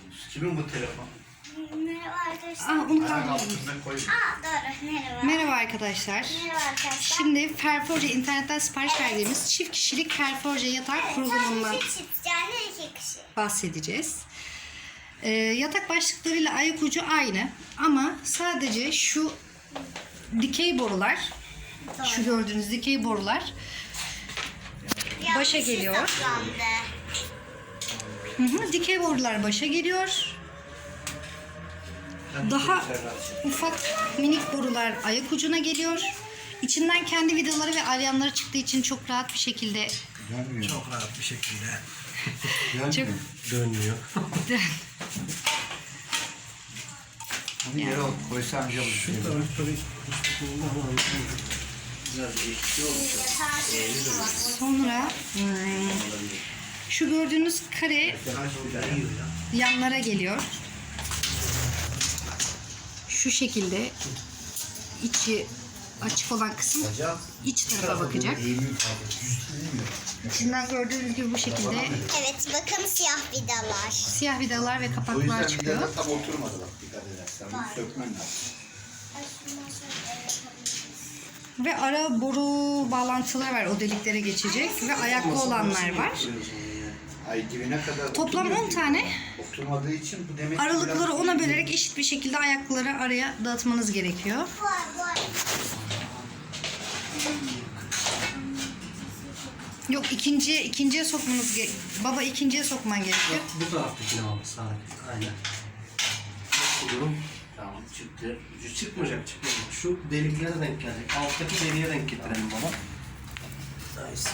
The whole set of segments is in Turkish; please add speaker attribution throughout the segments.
Speaker 1: Kimin bu telefon?
Speaker 2: Merhaba arkadaşlar.
Speaker 1: Altına koy.
Speaker 2: Doğru. Merhaba.
Speaker 3: Merhaba arkadaşlar.
Speaker 2: Merhaba arkadaşlar.
Speaker 3: Şimdi Ferforce internetten sipariş verdiğimiz çift kişilik Ferforce yatak kurulumundan
Speaker 2: Sadece çift yani 2 kişi.
Speaker 3: bahsedeceğiz. Yatak başlıklarıyla ayak ucu aynı ama sadece şu dikey borular, şu gördüğünüz dikey borular başa geliyor. Dikey borular başa geliyor. Daha ufak minik borular ayak ucuna geliyor. İçinden kendi vidaları ve alyanları çıktığı için çok rahat bir şekilde
Speaker 1: Çok rahat bir şekilde.
Speaker 3: çok
Speaker 1: Dönmüyor. Bunu yere koysam acaba. Şu tarafta biraz ekşi olacak.
Speaker 3: sonra şu gördüğünüz kare yanlara geliyor. Şu şekilde içi açık olan kısım iç tarafa bakacak. İçinden gördüğünüz gibi bu şekilde
Speaker 2: Evet bakın siyah vidalar.
Speaker 3: siyah vidalar ve
Speaker 1: O
Speaker 3: kapaklar
Speaker 1: yüzden
Speaker 3: çıkıyor.
Speaker 1: bir tam oturmadı bak, dikkat edersen. Bunu sökmen lazım.
Speaker 3: Ve ara boru bağlantıları var, o deliklere geçecek ve ayaklı olanlar var.
Speaker 1: Ay dibine kadar
Speaker 3: Toplam
Speaker 1: oturuyor
Speaker 3: 10
Speaker 1: ki.
Speaker 3: tane
Speaker 1: Oturmadığı için bu demek ki
Speaker 3: aralıkları
Speaker 1: biraz-
Speaker 3: ona bölerek eşit bir şekilde ayakları araya dağıtmanız gerekiyor. Yok, ikinciye sokmanız baba ikinciye sokman gerekiyor.
Speaker 4: Bu taraftakine ama sağdaki. Aynen. Durum
Speaker 1: Tamam çıktı.
Speaker 4: ucu çıkmayacak. Şu deliklere denk gelecek. Alttaki deliğe denk getirelim baba. Nice.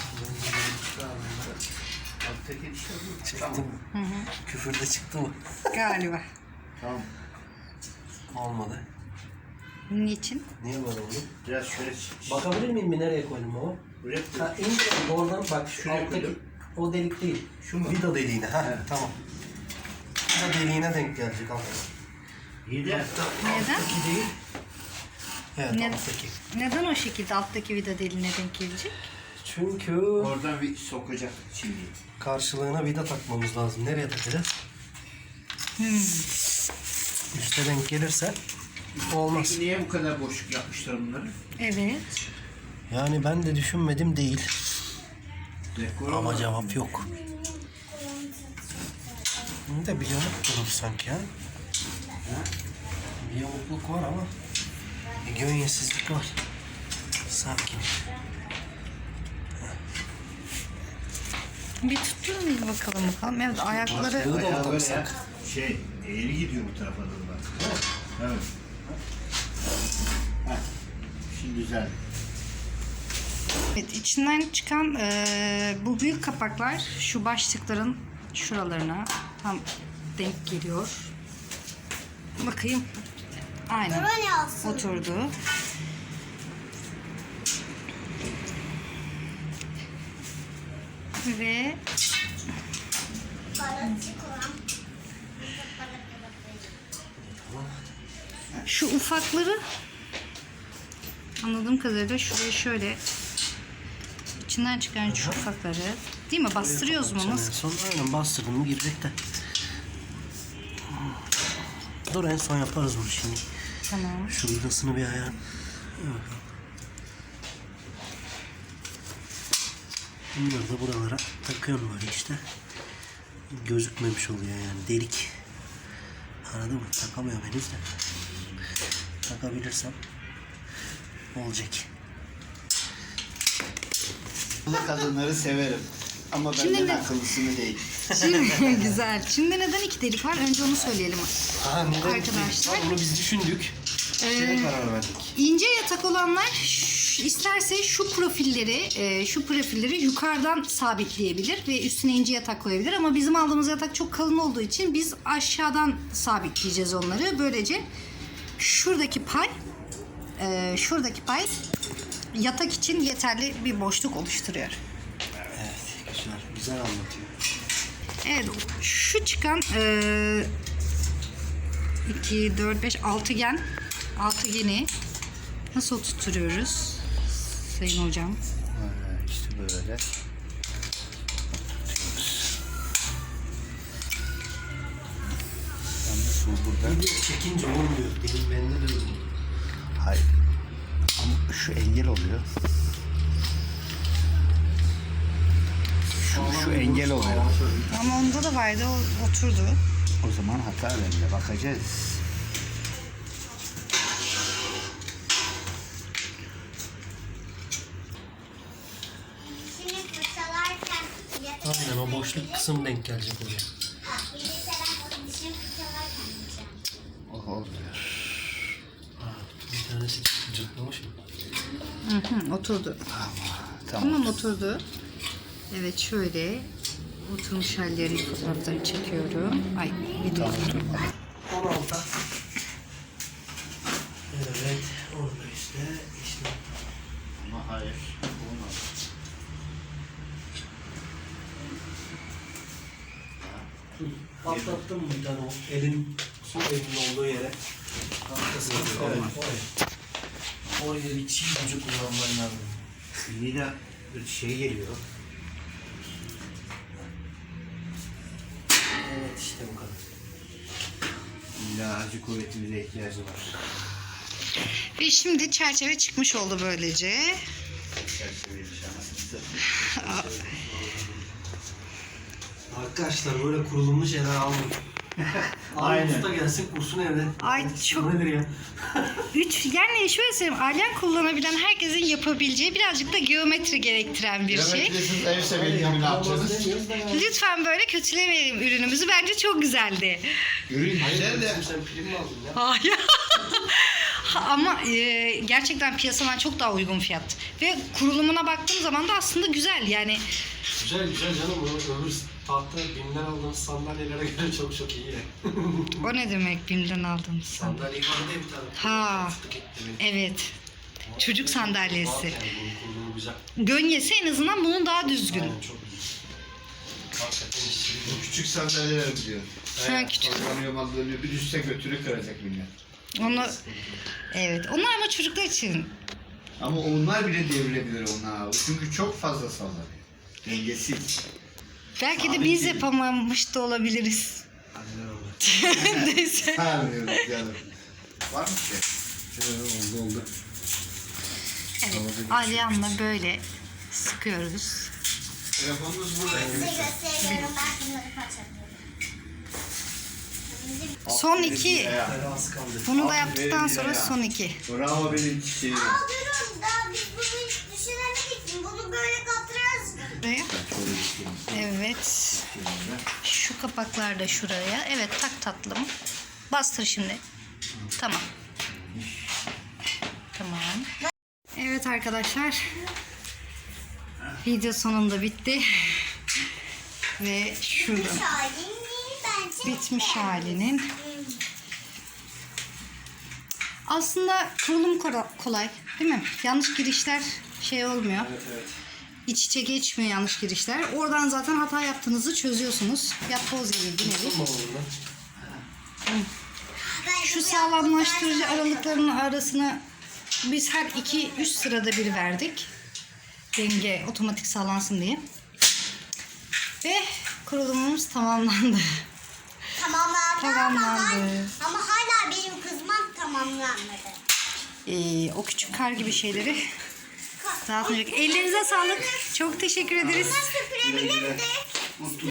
Speaker 1: Alttaki işte bu.
Speaker 4: Çıktı mı? Küfür de çıktı mı?
Speaker 3: Galiba.
Speaker 1: Tamam.
Speaker 4: Olmadı.
Speaker 3: Niçin?
Speaker 4: Niye böyle oldu?
Speaker 1: Biraz şöyle
Speaker 4: Bakabilir miyim bir nereye koydum baba?
Speaker 1: buraya
Speaker 4: Ha indir oradan bak şu
Speaker 1: Şuraya
Speaker 4: alttaki
Speaker 1: koydum.
Speaker 4: o delik değil.
Speaker 1: Şu mu?
Speaker 4: Vida deliğine. Ha
Speaker 1: Evet.
Speaker 4: tamam. Vida deliğine denk gelecek altta.
Speaker 1: İyi de
Speaker 3: Neden?
Speaker 4: Alttaki değil. Evet
Speaker 3: Ne-
Speaker 4: alttaki.
Speaker 3: Neden o şekilde alttaki vida deliğine denk gelecek?
Speaker 4: Çünkü
Speaker 1: oradan bir sokacak şimdi.
Speaker 4: karşılığına vida takmamız lazım. Nereye takacağız? Üste denk gelirse olmaz.
Speaker 1: Peki niye bu kadar boşluk yapmışlar bunları?
Speaker 3: Evet.
Speaker 4: Yani ben de düşünmedim değil.
Speaker 1: Dekor
Speaker 4: Ama
Speaker 1: olarak.
Speaker 4: cevap yok. Bunu da bir yamuk durur sanki ha. Bir yamukluk var ama bir gönyesizlik var. Sakin.
Speaker 3: Bir tutturun bir bakalım. Evet, ayakları
Speaker 4: Başlığı da mı
Speaker 1: Bayağı böyle
Speaker 4: taksak?
Speaker 1: şey, eğri gidiyor bu tarafa doğru bak. Evet. Heh. Şimdi güzel.
Speaker 3: evet, içinden çıkan bu büyük kapaklar şu başlıkların şuralarına tam denk geliyor. Bakayım. Aynen.
Speaker 2: Böyle alsın.
Speaker 3: Oturdu. Ve
Speaker 2: Balıkçı kuran.
Speaker 3: şu ufakları anladığım kadarıyla şuraya şöyle içinden çıkan şu ufakları değil mi? Bastırıyoruz mu?
Speaker 4: En
Speaker 3: Nasıl?
Speaker 4: son aynen bastırdım mı girecek de. Dur en son yaparız bunu şimdi.
Speaker 3: Tamam.
Speaker 4: Şu vidasını bir ayar. Bunları da buralara takıyorum böyle işte. Gözükmemiş oluyor yani delik. Anladın mı? Takamıyorum henüz de. Takabilirsem olacak.
Speaker 1: Bu kadınları severim. Ama
Speaker 3: Şimdi
Speaker 1: benden
Speaker 3: ne-
Speaker 1: akıllısını değil.
Speaker 3: Şimdi güzel. Şimdi neden iki delik var? Önce onu söyleyelim. Arkadaşlar.
Speaker 4: Onu biz düşündük. Şeye karar verdik.
Speaker 3: İnce yatak olanlar isterse şu profilleri yukarıdan sabitleyebilir ve üstüne ince yatak koyabilir, ama bizim aldığımız yatak çok kalın olduğu için biz aşağıdan sabitleyeceğiz onları. Böylece şuradaki pay yatak için yeterli bir boşluk oluşturuyor.
Speaker 4: Evet güzel. Güzel anlatıyor.
Speaker 3: Evet, şu çıkan 2, 4, 5 altıgeni nasıl tutturuyoruz sayın hocam?
Speaker 1: İşte böyle. su burada.
Speaker 4: Video çekince olmuyor. Benim bende de olmuyor.
Speaker 1: Hayır. Ama şu engel oluyor. Şu engel oluyor.
Speaker 3: Ama onda da vardı, o oturdu.
Speaker 1: O zaman hata bende. Bakacağız.
Speaker 2: Şimdi fırçalarken
Speaker 4: Aynen o boşluk kısım denk gelecek oraya.
Speaker 2: gelirse ben dişimi fırçalarken yiyeceğim.
Speaker 1: Oh oldu.
Speaker 4: Bir tanesi cırtlamış mı?
Speaker 3: Oturdu.
Speaker 1: Tamam.
Speaker 3: Tamam, oturdu. Evet, şöyle oturmuş hallerini, fotoğraflarını çekiyorum. Ay, video.
Speaker 4: 16. Evet. Orada işte.
Speaker 1: Ama hayır. Olmaz.
Speaker 4: Patlattın mı bir tane o elin, su elinin olduğu yere? Arkasına. Evet. Oraya bir çiğ gücü kullanman lazım.
Speaker 1: Yine bir şey geliyor.
Speaker 4: Evet işte bu kadar.
Speaker 1: İlla acı kuvvetimize ihtiyacı var.
Speaker 3: Ve şimdi çerçeve çıkmış oldu böylece.
Speaker 4: Arkadaşlar böyle kurulumlu şeyler almayın. Aynen. Usta gelsin kursun evde.
Speaker 3: Ay, çok-
Speaker 4: Bu nedir ya?
Speaker 3: Yani şöyle söyleyeyim, alyan kullanabilen herkesin yapabileceği, birazcık da geometri gerektiren bir şey.
Speaker 1: Geometrisiz en sevdiğimi ne yapacağız?
Speaker 3: Lütfen böyle kötülemeyelim ürünümüzü. Bence çok güzeldi.
Speaker 1: Ürün güzel de.
Speaker 4: Sen prim mi aldın ya?
Speaker 3: Hayır. Ama gerçekten piyasadan çok daha uygun fiyat. Ve kurulumuna baktığım zaman da aslında güzel yani.
Speaker 4: Güzel güzel canım. Öbür tahta BİM'den aldığımız sandalyelere göre çok çok iyi.
Speaker 3: O ne demek BİM'den aldığımız sandalye?
Speaker 4: Sandalye vardı ya bir tane.
Speaker 3: Ha.
Speaker 4: Fıstık etli benim.
Speaker 3: Evet. Çocuk sandalyesi.
Speaker 4: Bak yani bunun kurulumu güzel.
Speaker 3: Gönyesi en azından bunun daha düzgün.
Speaker 4: Aynen çok iyi. Hakikaten işçiliği.
Speaker 1: Bu küçük sandalyeler diyor.
Speaker 3: Ha, küçük.
Speaker 1: Sallanıyor mallanıyor. Bir düşse götünü kıracak millet.
Speaker 3: Onu, evet. Onlar ama çocuklar için.
Speaker 1: Ama onlar bile devrilebilir onlar. Çünkü çok fazla sallanıyor. Dengesiz.
Speaker 3: Belki de
Speaker 1: Sabit
Speaker 3: biz
Speaker 1: değil.
Speaker 3: yapamamış da olabiliriz. Neyse.
Speaker 1: Sarmıyoruz canım. Var mı ki? Oldu.
Speaker 3: Evet. Alyanla böyle sıkıyoruz.
Speaker 1: Telefonunuz burada.
Speaker 2: Ben size gösteriyorum. Ben bunları parçalıyorum.
Speaker 3: Son iki.
Speaker 4: Teras kaldı.
Speaker 3: Bunu da
Speaker 1: Aferin
Speaker 3: yaptıktan sonra
Speaker 1: ya.
Speaker 3: son iki.
Speaker 1: Bravo benim çiçeğim.
Speaker 2: Aa durun daha biz bunu hiç düşünemedik mi? Bunu böyle katırırız.
Speaker 3: Buraya.
Speaker 1: Şöyle bir şey.
Speaker 3: Evet. Şu kapaklar da şuraya. Evet, tak tatlım. Bastır şimdi. Tamam. Tamam. Evet arkadaşlar. Video sonunda bitti. Ve şurada
Speaker 2: Şahin değil bence.
Speaker 3: bitmiş halinin. Aslında kurulum kolay, değil mi? Yanlış girişler şey olmuyor.
Speaker 4: Evet evet.
Speaker 3: İç içe geçmiyor yanlış girişler. Oradan zaten hata yaptığınızı çözüyorsunuz. Yapboz gibi bir nevi.
Speaker 4: Tutma oğlum lan.
Speaker 2: Ben
Speaker 3: Şu
Speaker 2: bu
Speaker 3: sağlamlaştırıcı
Speaker 2: yaptıklarla-
Speaker 3: aralıklarının arasına biz her 2-3 sırada bir verdik. Denge otomatik sağlansın diye. Ve kurulumumuz tamamlandı. Tamamlandı.
Speaker 2: Ama hala benim kızmam tamamlanmadı.
Speaker 3: O küçük kar gibi şeyleri dağıtmayacak. Ellerinize sağlık. Çok teşekkür ederiz.
Speaker 2: Süpürebilirdik.